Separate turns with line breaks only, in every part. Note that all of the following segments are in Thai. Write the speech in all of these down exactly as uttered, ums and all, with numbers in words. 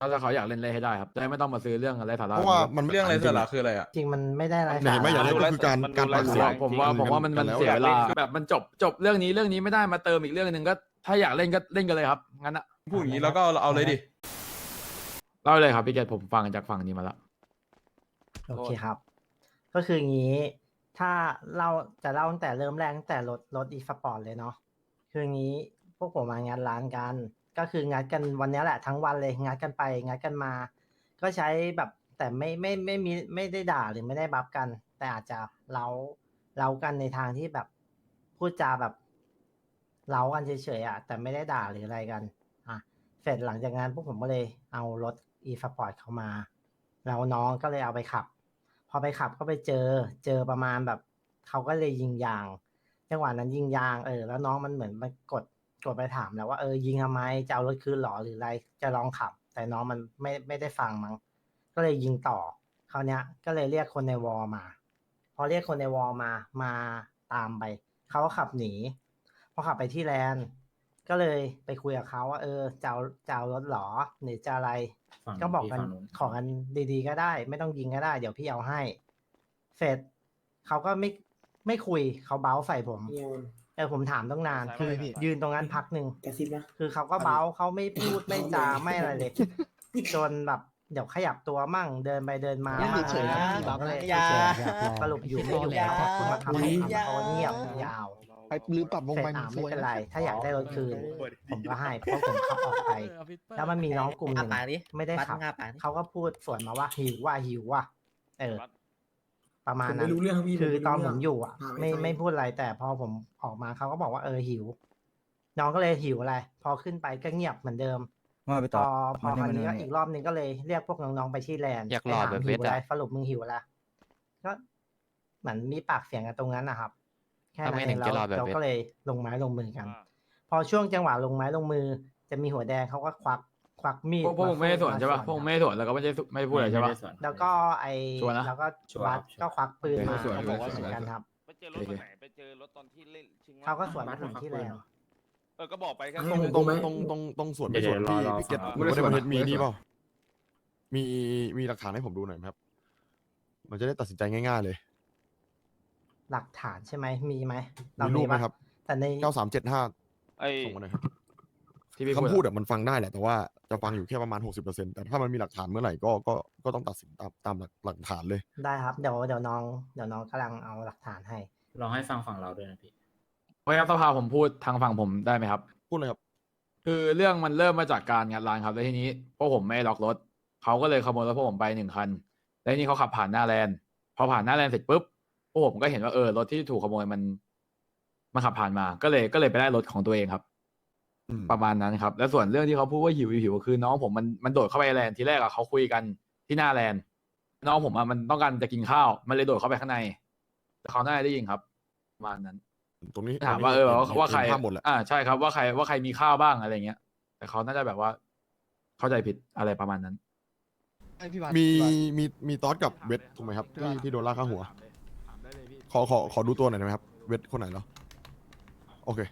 ถ้าเขาอยากเล่นเล่นให้ได้ครับจะได้ไม่ต้องมาซื้อเรื่องอะไรสาระ
เพราะว่ามัน
เรื่องอะไรสาระคืออะไรอ่ะ
จริงมันไม่ได้อะไร
เห็นไหมอย่างนี้ก็คือการการ
ผ
ปาก
ม
เสีย
ว่าง ผมว่าผมว่ามันมัน
แล้ว
เสียเวลาแบบมันจบจบเรื่องนี้เรื่องนี้ไม่ได้มาเติมอีกเรื่องหนึ่งก็ถ้าอยากเล่นก็เล่นกันเลยครับงั้นอะ
พูดอย่างนี้แล้วก็เอาเลยดิ
เล่าเลยครับพี่เกดผมฟังจากฝั่งนี้มาแล้ว
โอเคครับ ก็คืออย่างนี้ ถ้าเราจะเล่าตั้งแต่เริ่มแรกตั้งแต่รถรถอีสปอร์ตเลยเนาะคืออย่างนี้พวกผมมางานร้านกัน ก็คืองัดกันวันนี้แหละทั้งวันเลยงัดกันไปงัดกันมา ก็ใช้แบบแต่ไม่ไม่ไม่มีไม่ได้ด่าหรือไม่ได้บัฟกัน แต่อาจจะเล้าเล้ากันในทางที่แบบพูดจาแบบเล้ากันเฉยๆอ่ะแต่ไม่ได้ด่าหรืออะไรกันอ่ะเสร็จหลังจากนั้นพวกผมก็เลยเอารถอีสปอร์ตเข้ามาแล้วน้องก็เลยเอาไปขับ พอไปขับก็ไปเจอเจอประมาณแบบเขาก็เลยยิงยางจังหวะนั้นยิงยางเออแล้วน้องมันเหมือนมันกดกดไปถามแล้วว่าเออยิงทำไมจะเอารถคืนหรอหรืออะไรจะลองขับ แต่น้องมันไม่ไม่ได้ฟังมั้งก็เลยยิงต่อคราวเนี้ยก็เลยเรียกคนในวอลมา พอเรียกคนในวอลมามาตามไปเขาก็ขับหนีพอขับไปที่แลนด์ก็เลยไปคุยกับเขาว่าเออจะเอาจะเอารถหรอหรือจะอะไร ก็บอกกันขอกันดีๆก็ได้ ไม่ต้องยิงก็ได้ เดี๋ยวพี่เอาให้ เสร็จเขาก็ไม่ไม่คุยเขาเบ้าใส่ผมเออผมถามต้องนานคือยืนตรงนั้นพักหนึ่งคือเขาก็เบ้าเขาไม่พูดไม่จาไม่อะไรเลย จนแบบเดี๋ยวขยับตัวมั่งเดินไปเดินมามั่งอะไรอย่างเงี้ยผมก็เลยสรุปอยู่ไม่อยู่แล้วคุณมาทำให้ทำเขาเงียบยาว
ไปลืมปรับวง
เสร็จ
ไป
อ่า
ส
ไม่
วย
เป็น
นะ
ไร ถ้าอยากได้รถคืน ผมก็ให้เพราะผมขับออกไป แล้วมันมีน้องกลุ่มหนึ่งไม่ได้ขับเขาก็พูดสวนมาว่าหิวว่าหิวว่าเออ ประมาณนั้นคือตอนผมอยู่อ่ะ ไม่ไม่พูดอะไรแต่พอผมออกมาเขาก็บอกว่าเออหิว น้องก็เลยหิวอะไรพอขึ้นไปก็เงียบเหมือนเดิม
ว่าไป
พ
ต่อ
อพอ
มา
คราว
เนี่ย
นี้ก็
มาเนี่ย
อีกรอบนึงก็เลยเรียกพวกน้องๆไปที่แลนด์
อยากหล่อ
ไปถม
แบบ
หิว
เวท
อะไร
อะ
สรุปมึงหิวอะไรก็เหมือนมีปากเสียงกันตรงนั้นนะครับ แค่
ทำ
นั้
ไม
นเอ
ถึ
ง
ง
แล้
จะ
ว
หล่อแบบ
เรา
เวท
ก็เลยลงไม้ลงมือกัน พอช่วงจังหวะลงไม้ลงมือ จะมีหัวแดงเขาก็ควักควักมีด
พวกพวกผมไม่ได้สวนใช่ป่ะพวกผมไม่ได้สวนแล้วก็ไม่ได้ไม่ได้พูดอะไรใช่ป่ะ
แล้วก็ไอ
ชัวร์นะ
แล้วก็บัสก็ควักปืนมา
ชัวร์
เขาบอกว่าเหมือนกันครับ
ไปเจอรถตอนไหนไปเจอรถตอนที่เล่นชิง
เขาก็สวนผมที่แล้ว
เออก็บอกไปแค่
ตรงตรงตรงตรงตรงส่วนไปส่วนพี่พี่เกตผมไม่ได้ประเทศมีนี่เปล่ามีมีหลักฐานให้ผมดูหน่อยไหมครับ มันจะได้ตัดสินใจง่ายๆเลย
หลักฐานใช่ไหมมีไหม
มีรูปไหมครับ
แต่ใน
เก้าสามเจ็ดห้า
ไอ้
ส่งมาหน่อยครับ
ที่พี่
คำพู
พู
ด
ดอะ
อะมันฟังได้แหละแต่ว่าจะฟังอยู่แค่ประมาณหกสิบเปอร์เซ็นต์แต่ถ้ามันมีหลักฐานเมื่อไหร่ก็ก็ก็ต้องตัดสินตามตามหลักหลักฐานเลย
ได้ครับเดี๋ยวเดี๋ยวน้องเดี๋ยวน้องกำลังเอาหลักฐานให้
ลองให้ฟังฝั่งเราด้วยนะพี่
ไว้ครับสภาผมพูดทางฝั่งผมได้ไหมครับ
พูดเลยครับ
คือเรื่องมันเริ่มมาจากการงัดร้านครับแล้วทีนี้พวกผมไม่ล็อกรถเขาก็เลยขโมยรถพวกผมไปหนึ่งคันแล้วทีนี้เขาขับผ่านหน้าแลนด์พอผ่านหน้าแลนด์เสร็จปุ๊บพวกผมก็เห็นว่าเออรถที่ถูกขโมยมันมันขับผ่านมาก็เลยก็เลยไปได้รถของตัวเองครับ
อืม
ประมาณนั้นครับ แล้วส่วนเรื่องที่เขาพูดว่าหิวหิวคือน้องผมมันมันโดดเข้าไปแลนด์ทีแรกอะเขาคุยกันที่หน้าแลนด์น้องผมอะมันต้องการจะกินข้าวมันเลยโดดเข้าไปข้างในแต่เขาน่าจะได้ยินครับประมาณนั้น
ตรงนี้
ถามว่าเออว่าว่าใคร
ภาพหมดแหละ
อ่าใช่ครับว่าใครว่าใครมีข้าวบ้างอะไรเงี้ย แต่เขาน่าจะแบบว่า เข้าใจผิดอะไรประมาณนั้น
มีมีมีตอสกับเวทถูกไหมครับที่ที่โดนลากข้าหัว ขอขอขอดูตัวหน่อยได้ไหมครับ เวทคนไหนเหรอโอเค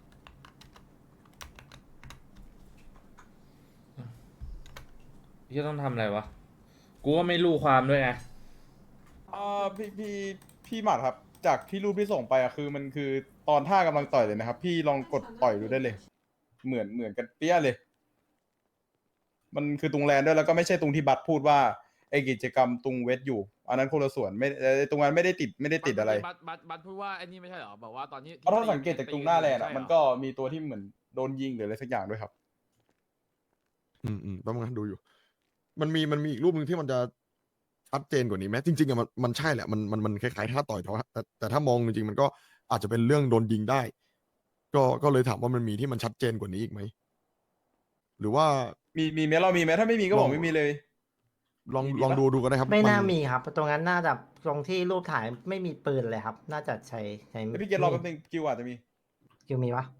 พี่ต้องทำอะไรวะ กูก็ไม่รู้ความด้วยไง
อ่าพี่พี่พี่หมัดครับ จากที่รูปที่ส่งไปอะคือมันคือตอนท่ากำลังต่อยเลยนะครับ พี่ลองกดต่อยดูได้เลย เหมือนเหมือนกันเปี้ยเลย มันคือตรงแลนด์ด้วยแล้วก็ไม่ใช่ตรงที่บัตรพูดว่าไอกิจกรรมตรงเวทอยู่ อันนั้นคนละส่วนไม่ไอ้ตรงนั้นไม่ได้ติดไม่ได้ติดอะไร
บัตบัตบัตพูดว่าไอ้นี่ไม่ใช่เหรอบอกว่าตอนนี้
เพราะถ้าสังเกตจากตรงหน้าแลนด์อะมันก็มีตัวที่เหมือนโดนยิงหรืออะไรสักอย่างด้วยครับ
อืมอืมแป๊บนึงนะดูอยู่ มันมีมันมีอีกรูปหนึ่งที่มันจะชัดเจนกว่านี้ไหมจริงๆอะมันมันใช่แหละมันมันมันคล้ายๆท่าต่อยแต่ว่าแต่แต่ถ้ามองจริงๆมันก็อาจจะเป็นเรื่องโดนยิงได้ ก็ก็เลยถามว่ามันมีที่มันชัดเจนกว่านี้อีกไหมหรือว่า
มีมีไหมเรามีไหมถ้าไม่มีก็บอกไม่มีเลย
ลอง
มี
ลอง
ปะ
ดูดูก็ได้ครับ
ไม่น่ามีครับ ตรงนั้นน่าจะตรงที่รูปถ่ายไม่มีปืนเลยครับ น่าจะใช้ใช้
เดี๋ยวพี่เกดรอแป๊บนึงคิวอาจจะมี
คิวมีปะ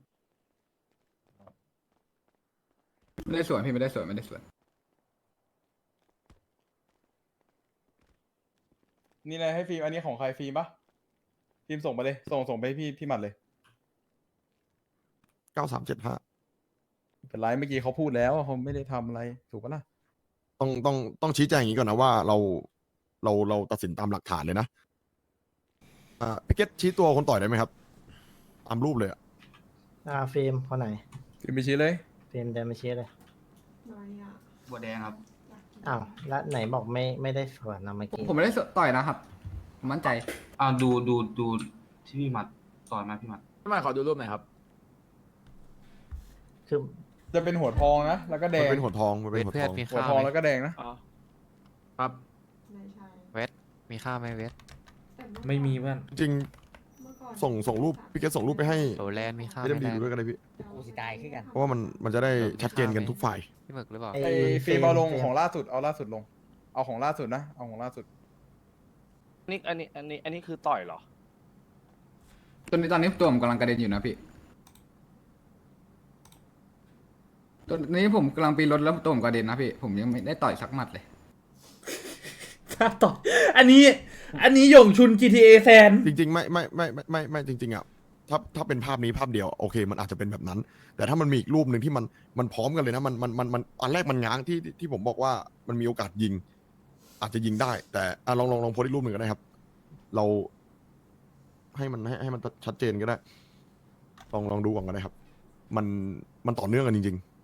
ไม่ได้สวนพี่ไม่ได้สวนไม่ได้สวน
นี่เลยให้ฟิล์มอันนี้ของใครฟิล์มปะฟิล์มส่งไปเลย ส่งส่งไปให้พี่พี่หมัดเลย
เก้าสามเจ็ดห้า
เป็นไรเมื่อกี้เขาพูดแล้วว่าเขาไม่ได้ทำอะไรถูกปะล่ะ
ต้องต้องต้องชี้แจงอย่างนี้ก่อนนะว่าเราเราเราตัดสินตามหลักฐานเลยนะอ่าพี่เกตชี้ตัวคนต่อยได้ไหมครับตามรูปเลยอะ
อ่าฟิล์มคนไหน
ฟิล์มไปชี้เลย
ฟิล์มเดินมาชี้เลย
บัวแดงครับ
อ้าวแล้วไหนบอกไม่ไม่ได้สวนนะเมื่อกี้
ผมไม่ได้ต่อยนะครับผมมั่นใจอ่าดูดูดูที่พี่หมัดต่อยมาพี่หมัด
พี่หมัดขอดูรูปหน่อยครับ
คือ
จะเป็นหัวทองนะ แล้วก็แด
มัน
ง
เป็นหัวทองมันเป็นหัวทอง
หัวทองแล้วก็แดงนะ
อ๋อ
ครับ
มีค่าไหมเวท
ไม่มีเพื่อน
จริงส่งส่งรูปพี่เกตส่งรูปไปให้
โอแลนด์มีค่า
พี่
ไหม
เดมดี
แลน
ดู
ด์
ด้วยกันเลยพี่
กูสิตายขึ้นกัน
เพราะว่ามันมันจะได้ชัดเจนกันทุกฝ่าย
พี่หมึกหรือเปล่า
ไอ้
ไอ้ฟิล์มเอาลงของล่าสุดเอาล่าสุดลง เอาของล่าสุดนะ เอาของล่าสุด
นี่อันนี้อันนี้อันนี้คือต่อยเหรอ
ตอนนี้ตอนนี้ตัวผมกำลังกระเด็นอยู่นะพี่ตอนนี้ผมกำลังปีนรถแล้วตัวผมกระเด็นนะพี่ผมยังไม่ได้ต่อยสักหมัดเลย
ถ้าต่ออันนี้ อันนี้หยงชุน จี ที เอ แซน
จริงๆไม่ไม่ไม่ไม่ไม่ไม่จริงๆอ่ะถ้าถ้าเป็นภาพนี้ภาพเดียวโอเค มันอาจจะเป็นแบบนั้น แต่ถ้ามันมีอีกรูปหนึ่งที่มันมันพร้อมกันเลยนะมันมันมันมันอันแรกมันง้างที่ที่ผมบอกว่ามันมีโอกาสยิง อาจจะยิงได้ แต่อ่ะลองลองลองโพสต์อีกรูปหนึ่งก็ได้ครับ เราให้มันให้ให้มันชัดเจนก็ได้ ลองลองดูก่อนก็ได้ครับ มันมันต่อเนื่องกันจริง ๆ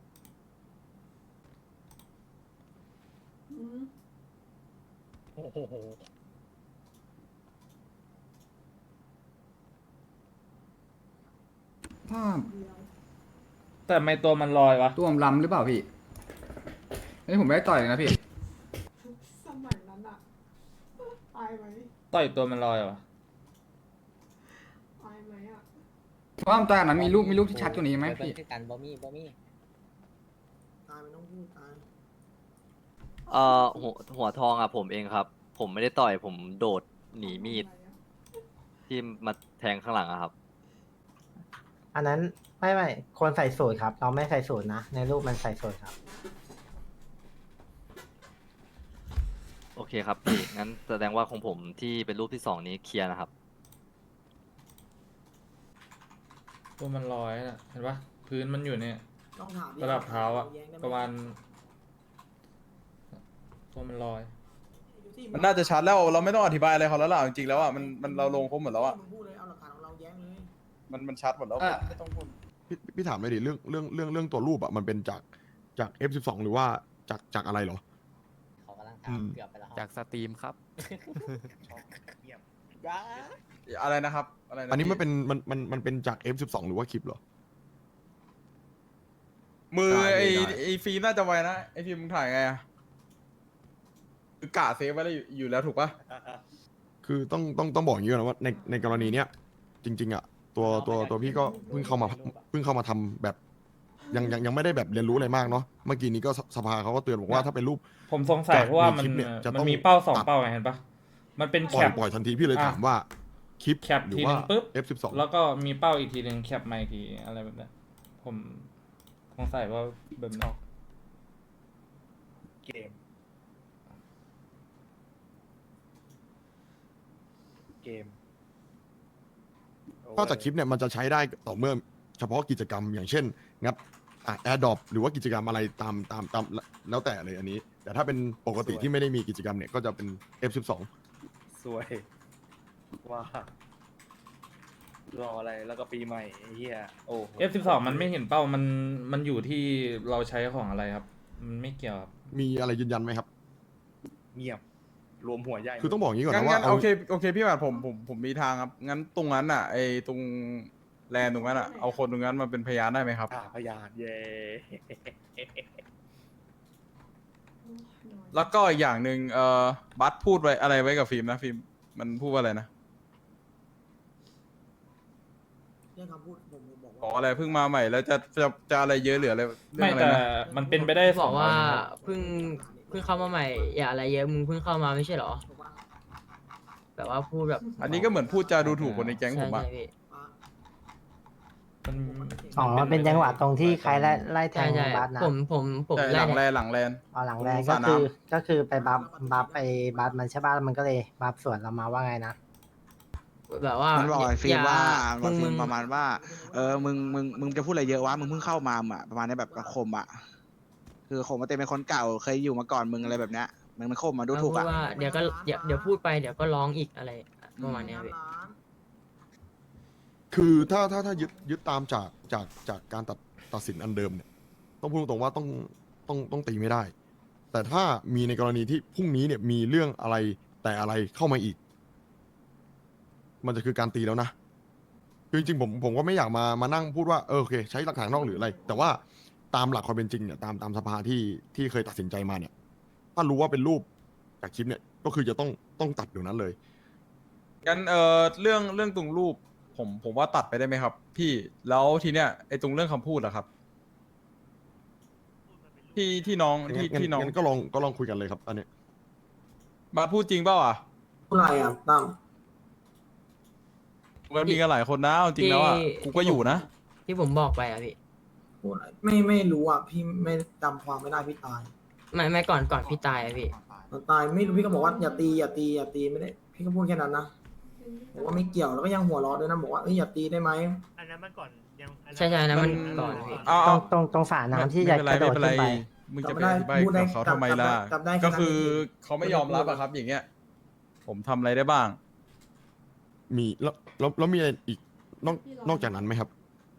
ภาพ
แต่ไม่ตัวมันลอยวะ
ตัวผมล้ำหรือเปล่าพี่อันนี้ผมไม่ได้ต่อยเลยนะพี่
สมัยนั้นอะอายไหม
ต่อยตัวมันลอยวะ
อายไหมอะ
เพราะว่าตอนนั้นมีรูปมีรูปที่ชัดกว่านี้ไหมพี่
กันบอมี่บอมี่
ตายมันต้องพูดตาย
เอ่อหัวหัวทองอ่ะผมเองครับ ผมไม่ได้ต่อยผมโดดหนีมีดที่มาแทงข้างหลังอะครับ
อันนั้นไม่ไม่คนใส่สูตรครับ เราไม่ใส่สูตรนะ ในรูปมันใส่สูตรครับ
โอเคครับพี่ งั้นแสดงว่าของผมที่เป็นรูปที่สองนี้เคลียร์นะครับ
ตัวมันลอยน่ะเห็นปะพื้นมันอยู่เนี่ย
ต้องถาม
ระดับเท้าอะประมาณตัวมันลอย
มันน่าจะชัดแล้ว เราไม่ต้องอธิบายอะไรเขาแล้วล่ะ จริงๆแล้วอ่ะ มันมันเราลงครบหมดแล้วอ่ะ
มึงพูดเลยเอาหลักฐานของเราแย้งเลย
มันมันชัดหมดแล้ว
เอ่อ
ไม่ต้องพูด
พี่พี่ถามเลยดิเรื่องเรื่องเรื่องเรื่องตัวรูปอ่ะมันเป็นจากจาก เอฟ สิบสอง หรือว่าจากจากอะไรเหรอ
เขากำลัง
อืม
ทำเกือบไปแล้ว
จากสตรีมครับ
อะไรนะครับ อะไรนะ
อันนี้มัน
พี่
เป็นมันมันมันเป็นจาก เอฟ สิบสอง หรือว่าคลิปเหรอ
มือ
ได้
ไอ้
ได้
ไอ้ฟิล์มน่าจะไวนะ ไอ้ฟิล์มมึงถ่ายไงอ่ะคือกะเซฟไว้แล้วอยู่อยู่แล้วถูกปะ
คือต้องต้องต้องบอกอย่างนี้ก่อนนะว่าในในกรณีเนี้ยจริง ๆอ่ะตัวตัวตัวพี่ก็เพิ่งเข้ามาเพิ่งเข้ามาทำแบบยังยังยังไม่ได้แบบเรียนรู้อะไรมากเนาะเมื่อกี้นี้ก็สสภาเขาก็เตือนบอกว่าถ้าเป็นรูป
ผมสงสัยเพราะว่ามัน
คลิปเนี่ยจะ
มั
ต้
น
อง
มีเป้าสอง
ตัด
เป้าไงเห็นปะมันเป็น
ป
แค
ล่อย
ป
ปล่อยทันทีพี่เลย
อ่ะ
ถามว่าคลิป
แคป
หรื
ที
อ
นึ
ว่า
งปุ๊บ
เอฟ สิบสอง
แล้วก็มีเป้าอีกทีหนึ่งแคปมาอีกทีอะไรแบบนั้นผมสงสัยว่าแบบนั้น
เกม เกม
นอกจากคลิปเนี่ยมันจะใช้ได้ต่อเมื่อเฉพาะกิจกรรมอย่างเช่น งัดอ่ะแอร์ดรอปหรือว่ากิจกรรมอะไรตามตามตามแล้วแต่เลยอันนี้ แต่ถ้าเป็นปกติที่ไม่ได้มีกิจกรรมเนี่ยก็จะเป็น เอฟ สิบสอง
สวย ว่ารออะไรแล้วก็ปีใหม่ไอ้เหี้ยโอ้โห
เอฟสิบสองมันไม่เห็นเป้ามันมันอยู่ที่เราใช้ของอะไรครับ มันไม่เกี่ยวครับ
มีอะไรยืนยันไหมครับ
เงียบ รวมหัวใหญ่
คือต้องบอกอย่างนี้ก่อน
งั้น
นะว่า
งั้น
เอา
โอเคโอเคพี่หมัดผมผมผมมีทางครับ งั้นตรงนั้นอ่ะไอ้ตรงแลนด์ตรงนั้นอ่ะเอาคนตรงนั้นมาเป็นพยานได้ไหมครับ
อ่าพยานเย่
แล้วก็อีกอย่างหนึ่งเอ่อบัสพูดไว้อะไรไว้กับฟิล์มนะฟิล์มมันพูดว่าอะไรนะ
เรื่องคำพูดผมบอก
ขอ
ว่า
อะไรเพิ่งมาใหม่แล้วจะจะจะอะไรเยอะเหลืออะไรเรื่อง
ไม่
อะไร
แต่
นะ
มันเป็นไปได้ส
บ
อ
อง กว่า
อันครับ
เพิ่งเพิ่งเข้ามาใหม่ อย่าอะไรเยอะมึงเพิ่งเข้ามาไม่ใช่เหรอ
ถูกปะ
แบบว่าพูดแบบ
อันนี้ก็เหมือนพูดจาดูถูกคนในแก๊งผมอะ
ใช่ใช่พี่
อ่ะ
มัน
อ๋อมันเป็นจังหวะตรงที่ใครไล่ไล่แท
ใช่
ง
ใช่
บัสนะ
ผมผมผม
แต่ห
ไล่
ลังแล
เนี่ย
นหลังแลน
อ๋อหลังแรก
ส
ก็
ระน้ำ
คือก็คือไปบัฟบัฟไปบัฟมันใช่ป่ะแล้วมันก็เลยบัฟสวนเรามาว่าไงนะ
แบบว่า
มันบอกไอ้ฟิล์มว่า
มึ
มัน
ง
ฟิ
มึ
ล์
ง
มประมาณว่า เออ มึง มึง มึงจะพูดอะไรเยอะวะ มึงเพิ่งเข้ามาอ่ะ ประมาณนี้แบบกระคมอ่ะคือโคมมาเต็มเป็นคนเก่าเคยอยู่มาก่อนมึงอะไรแบบเนี้ยมึงมันโคมมาดู
เอา
ถูก
พูด
อ่ะ
ว่าเดี๋ยวก็เดี๋ยวเดี๋ยวพูดไปเดี๋ยวก็ร้องอีกอะไรประมาณเนี้ยพี่
คือถ้าถ้าถ้ายึดยึดตามจากจากจากการตัดตัดสินอันเดิมเนี่ยต้องพูดตรงๆว่าต้องต้องต้องตีไม่ได้ แต่ถ้ามีในกรณีที่พรุ่งนี้เนี่ยมีเรื่องอะไรแต่อะไรเข้ามาอีก มันจะคือการตีแล้วนะคือจริงๆผมผมก็ไม่อยากมามานั่งพูดว่าเออโอเคใช้หลักฐานนอกหรืออะไร แต่ว่าตามหลักความเป็นจริงเนี่ยตามตามสภาที่ที่เคยตัดสินใจมาเนี่ย ถ้ารู้ว่าเป็นรูปจากคลิปเนี่ยก็คือจะต้องต้องตัดอยู่นั้นเลย
งั้นเอ่อเรื่องเรื่องตรงรูปผมผมว่าตัดไปได้ไหมครับ พี่แล้วทีเนี้ยไอ้ตรงเรื่องคำพูดอะครับ ที่ที่น้องที่
งั้น
ที่น้อง
งั้นก็ลองก็ลองคุยกันเลยครับอันเนี้ย
มาพูดจริงเปล่าอ่ะ
อะไรอ่ะตั้ม
มันมีกันหลายคนนะเอาจริงแล้วอ่ะ
ที่
กูก็อยู่นะ
ที่ผมบอกไปอะพี่
พูดอะไรไม่ไม่รู้อ่ะพี่ไม่จำความไม่ได้พี่ตาย
ไม่ไม่ก่อนก่อนพี่ตายอะพี่
ตายไม่รู้พี่ก็บอกว่าอย่าตีอย่าตีอย่าตีไม่ได้พี่ก็พูดแค่นั้นนะบอกว่าไม่เกี่ยวแล้วก็ยังหัวเราะด้วยนะบอกว่าเอ้ยอย่าตีได้ไหม
อันนั้นมันก่อนยัง
ใช่ใช่นะมัน
มัน
ก่อนพี่
เอา
ตร
เอา
งตรงตรงฝาน้ำที่
ไม่
จะ
เป็นไร
กระโด
ไม่
ด
เป็นไร
ขึ้นไป
มึงจะไป
จำได้
อธิบาย
พูดได้
กับเขาทำไมล่ะ
จำได้จำได้
ก็คือ
แค่นั้นเอง
เขาไม่ยอมรับอะครับ อย่างเงี้ย ผมทำอะไรได้บ้าง
มีแล้วแล้วแล้วมีอะไรอีกนอกนอกจากนั้นไหมครับ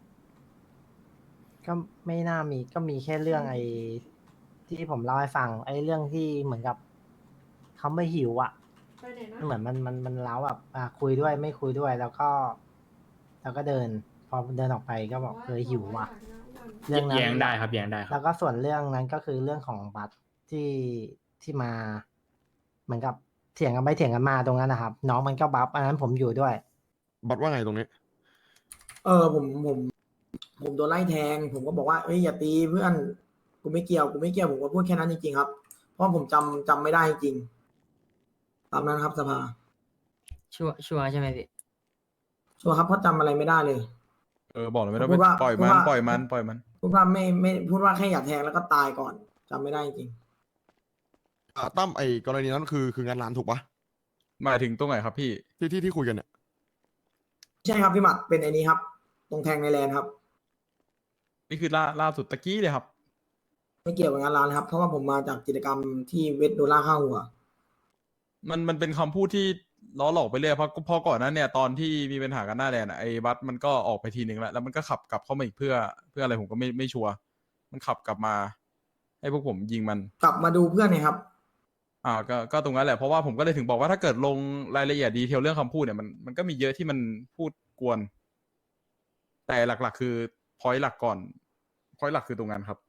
ก็ไม่น่ามีก็มีแค่เรื่องไอ้ที่ผมเล่าให้ฟังไอ้เรื่องที่เหมือนกับเขาไม่หิวอ่ะ
ไปไหนนะ
เหมือนมันมันมันเล้าแบบอ่ะคุยด้วยไม่คุยด้วยแล้วก็ แล้วก็เดิน พอเดินออกไปก็บอกเคยหิวว่ะ เรื่องนั้น
แย้งได้ครับแย้งได้ครับ
แล้วก็ส่วนเรื่องนั้นก็คือเรื่องของบัตรที่ที่มา เหมือนกับเถียงกันไปเถียงกันมาตรงนั้นนะครับ น้องมันก็บัฟอันนั้นผมอยู่ด้วย
บัตรว่าไงตรงนี้
เออผมผมผมโดนไล่แทง ผมก็บอกว่าเอ้ยอย่าตีเพื่อนกูไม่เกี่ยวกูไม่เกี่ยวผมก็พูดแค่นั้นจริงๆครับ เพราะผมจำจำไม่ได้จริงตามนั้นครับสภา
ชัวร์ชัวร์ใช่ไหมพี่
ชัวร์ครับเพราะจำอะไรไม่ได้เลย
เออ บอกเลยไม่ต้อง
พู
ไป
ดว่า
ปล่อย
พู
มั
ด
น
ว่า
ปล่อยมัน ปล่อยมัน
พูดว่าไม่ไม่พูดว่าแค่อย่าแทงแล้วก็ตายก่อนจำไม่ได้จริง
อ่าตั้มไอ้กรณีนั้นคือคืองานร้านถูกปะ
หมายถึงตรงไหนครับพี่
ที่ที่ที่คุยกันเนี่ย
ใช่ครับพี่หมัดเป็นไอ้นี้ครับ ตรงแทงในแลนด์ครับ
นี่คือล่าล่าสุดตะกี้เลยครับ
ไม่เกี่ยวกับงานร้านครับ เพราะว่าผมมาจากกิจกรรมที่เวทโดล่าข้าหัว
มันมันเป็นคำพูดที่ล้อหลอกไปเรื่อยเพราะเพอก่อนหนั้นเนี่ยตอนที่มีปัญหากันหน้าแดนอะไอ้บัสมันก็ออกไปทีหนึ่งแล้วแล้วมันก็ขับกลับเข้ามาอีกเพื่อเพื่ออะไรผมก็ไม่ไม่ชัวร์มันขับกลับมา ให้พวกผมยิงมัน
กลับมาดูเพื่อนเนยครับ
อ่าก็ก็ตรงนั้นแหละเพราะว่าผมก็เลยถึงบอกว่าถ้าเกิดลงรายละเอียดดีเทลเรื่องคำพูดเนี่ยมันมันก็มีเยอะที่มันพูดกวน แต่หลักๆ คือพอยต์หลักก่อนพอยต์หลักคือตรงนั้นครับ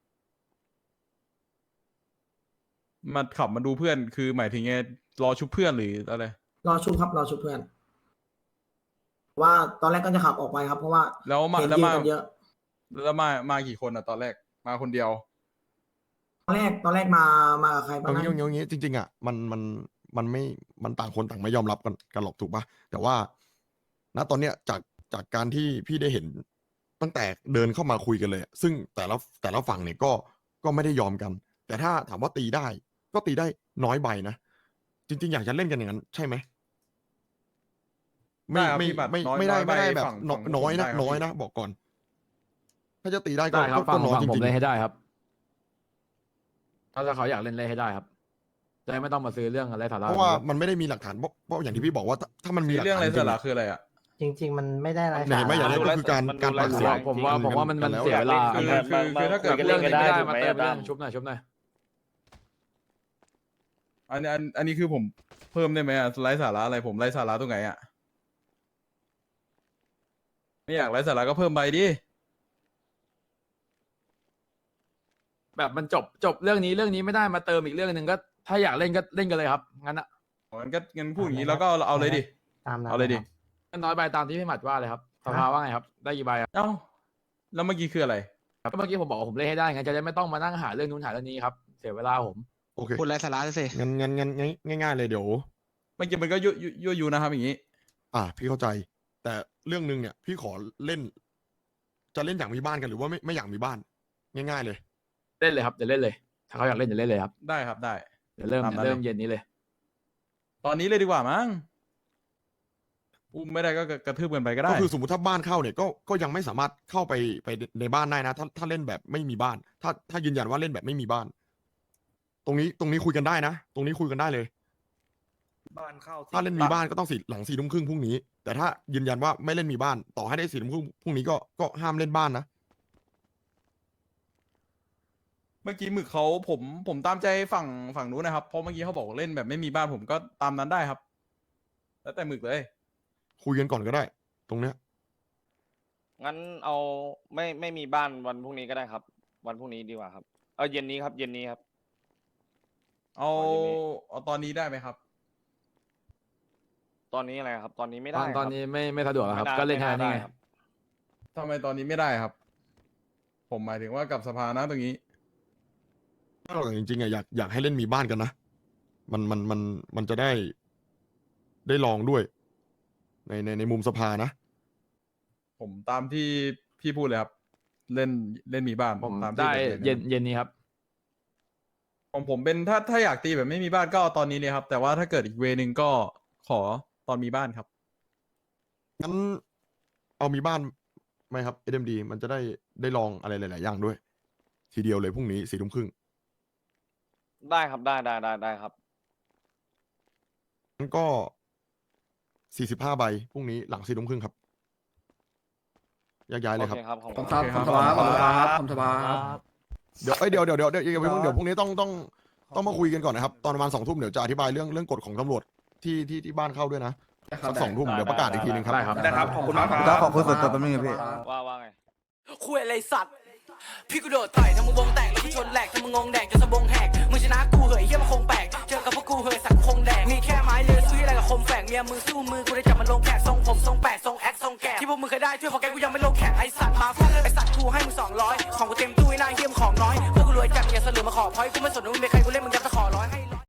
มาขับมาดูเพื่อนคือหมายถึงไงรอชุบเพื่อนหรืออะไร
รอชุบครับรอชุบเพื่อน ว่าตอนแรกก็จะขับออกไปครับ เพราะว่า
แล้วมา
เห็น
แล้ว
ยิง
มา
กันเยอะ
แล้วมามากี่คนอ่ะตอนแรกมาคนเดียว
ตอนแรกตอนแรกมามากับใครบ้า
เอา
ง
งี้
นะ
เอางี้เอางี้จริงๆอ่ะมันมันมันไม่มันต่างคนต่างไม่ยอมรับกันกันหรอกถูกปะแต่ว่า ณตอนเนี้ยจากจากการที่พี่ได้เห็นตั้งแต่เดินเข้ามาคุยกันเลยอะซึ่งแต่ละแต่ละฝั่งเนี่ยก็ก็ไม่ได้ยอมกัน แต่ถ้าถามว่าตีได้ ก็ตีได้น้อยใบนะจริง ๆ อยากจะเล่นกันอย่างนั้น ใช่ไหมไม่
ได้ครับ
ไม่
พี่บัตร
ไม่
น้อย
ไม่ได้
น้อยใบ
ไม่ได้แบบ
ฝั่ง
น
ฝั่ง
น้อยนะ
ผมได้ครับ
น้อย
พี่
นะบอกก่อน ถ้าจะตีได้ก็
ได้ครับ
ก็
ฟัง
ก็น้อย
ฟัง
จ
ผม
ริง
เล่นให้
ๆ
ได้ครับ ถ้าเขาอยากเล่นเล่นให้ได้ครับจะได้ไม่ต้องมาซื้อเรื่องอะไรสาระ
เพราะว่ามันไม่ได้มีหลักฐานเพราะเพราะอย่างที่พี่บอกว่าถ้าถ้ามันมีหลัก
เรื่อง
ฐา
อะไร
นจริ
สาง ระ
ๆ
คืออะไรอ่ะ
จริง ๆ มันไม่ได้อะไร
ไหนไม่อย่างนั้นก็คือการการปากเสียง
ผมว่าผมว่ามันมัน
แล้ว
เสียเวลา
คือคือคือถ้าเกิด
เรื่องนี้ไม่ได้
ถูกไหม
มาเติม
อะ
เรื่
ตั้
อง
ม
ชุบหน่อยชุบหน่อย
อันนี้อันอันนี้คือผมเพิ่มได้ไหมอ่ะไร้สาระอะไรผมไร้สาระตรงไหนอ่ะไม่อยากไร้สาระก็เพิ่มใบดิ
แบบมันจบจบเรื่องนี้เรื่องนี้ไม่ได้มาเติมอีกเรื่องหนึ่งก็ถ้าอยากเล่นก็เล่นกันเลยครับงั้นอะ
งั้นก็งั้นพูดอย่างนี้แล้วก็เอาเอาเลยดิ
ตามนั้น
เอาเลยดิ
ครับ
ก็น้อยใบตามที่พี่หมัดว่าเลยครับสภาว่าไงครับ ได้กี่ใบครับ
เอ้าแล้วเมื่อกี้คืออะไร
ก็เมื่อกี้ผมบอกว่าผมเล่นให้ได้งั้นจะได้ไม่ต้องมานั่งหาเรื่องนู้นหาเรื่องนี้ครับเสียเวลาผม
โอเค
พูดไรสาระสิ
งั้นงั้นงั้นง่ายง่ายๆเลยเดี๋ยว
เมื่อกี้มันก็ยั่วยั่วยั่วยุนะครับอย่างนี้
อ่า พี่เข้าใจ แต่เรื่องหนึ่งเนี่ย พี่ขอเล่น จะเล่นอย่างมีบ้านกันหรือว่าไม่ไม่อยากมีบ้าน ง่ายๆเลย
เล่นเลยครับเดี๋ยวเล่นเลย ถ้าเขาอยากเล่นเดี๋ยวเล่นเลยครับ
ได้ครับได้
เดี๋ยวเริ่ม
ตามนั้น
เริ่ม
เลย
เย็นนี้เลย
ตอนนี้เลยดีกว่ามั้งอุ้มไม่ได้ก็กระทืบกันไปก็ได้
ก็คือสมมติถ้าบ้านเข้าเนี่ยก็ก็ยังไม่สามารถเข้าไปไปในบ้านได้นะ ถ้าถ้าเล่นแบบไม่มีบ้าน ถ้าถ้ายืนยันว่าเล่นแบบไม่มีบ้าน ตรงนี้ตรงนี้คุยกันได้นะ ตรงนี้คุยกันได้เลย
บ้านเข้า
ถ้าเล่นมีบ้านก็ต้องสี่หลังสี่ทุ่มครึ่งพรุ่งนี้ แต่ถ้ายืนยันว่าไม่เล่นมีบ้าน ต่อให้ได้สี่ทุ่มครึ่งพรุ่งนี้ก็ก็ห้ามเล่นบ้านนะ
เมื่อกี้หมึกเขาผมผมตามใจฝั่งฝั่งนู้นนะครับ เพราะเมื่อกี้เขาบอกเล่นแบบไม่มีบ้านผมก็ตามนั้นได้ครับ แล้วแต่หมึกเลย
คุยกันก่อนก็ได้ ตรงเนี้ย
งั้นเอาไม่ไม่มีบ้านวันพรุ่งนี้ก็ได้ครับ วันพรุ่งนี้ดีกว่าครับเอาเย็นนี้ครับเย็นนี้ครับ
เอา
เอาอย่างนี้
เอาตอนนี้ได้ไหมครับ
ตอนนี้อะไรครับ ตอนนี้ไม่
ต
ได้
อนตอน
ครับ
นี้ไม่ไม่สะดวกแล้วครับ
ไม่า
ก็เล่นแค่
ไม่า
นี้ไง
ด้ครับ
ทำไมตอนนี้ไม่ได้ครับ ผมหมายถึงว่ากับสภานะตรงนี้
ถ้าเราจริงๆอะอยากอยากให้เล่นมีบ้านกันนะ มันมันมันมันจะได้ได้ลองด้วย ในในในมุมสภานะ
ผมตามที่พี่พูดเลยครับ เล่นเล่นมีบ้าน
ผม
ตามที่
ได้
แบบ
เย็นเย็นนี้ครับ
ของผมเป็นถ้าถ้าอยากตีแบบไม่มีบ้านก็เอาตอนนี้เลยครับ แต่ว่าถ้าเกิดอีกเวนึงก็ขอตอนมีบ้านครับ
งั้นเอามีบ้านไหมครับ เอ็มดี มันจะได้ได้ลองอะไรหลาย ๆ อย่างด้วย ทีเดียวเลยพรุ่งนี้สี่ทุ่มครึ่ง
ได้ครับได้ได้ได้ได้ครับ
งั้นก็สี่สิบห้าใบพรุ่งนี้หลังสี่ทุ่มครึ่งครับแยกย้ายเลยครับ
โอเคครับขอบ
ข
คุ
อบ
ณ
คุณครับขอบคุณครับขอบคุณครับ
เดี๋ยวเอ้ยเดี๋ยวเดี๋ยวเดี๋ยวเดี๋ยวเดี๋ยวเพิ่งเดี๋ยวพรุ่งนี้ต้องต้องต้องมาคุยกันก่อนนะครับ ตอนประมาณสองทุ่มเดี๋ยวจะอธิบายเรื่องเรื่องกฎของตำรวจที่ที่ที่บ้านเข้าด้วยนะสักสองทุ่มเดี๋ยวประกาศอีกทีหนึงครับ
ได้ครับ
ได้ครับขอบคุณมากครับ
ขอบคุณสุดตัวแป๊บนึงพี่
ว่าว่าไง
คุยอะไรสัตว์ พี่กูโดดต่อยทำมึงวงแตกแล้วกูชนแหลกทำมึงงงแดกจนสะบงแหกมึงชนะกูเหยเฮียมันคงแปลกเจอกับพวกกูเหยสักคงแดกมีแค่ไม้เลือซื้ออะไรกับคมแฝกเมียมึงสู้มือกูได้จับมันลงแขกทรงผมทรงแปดทรงแอคทรงแกะที่พวกมึงเคยได้ช่วยพอแกกูยังไม่ลงแขกไอสัตว์มาฟังไอสัตว์กูให้มึงสองร้อยของกูเต็มตู้ไอ้นายเฮียมของน้อยพวกกูรวยจัดอย่าเสลือมาขอพอยกูไม่สนว่ามึงเป็นใคร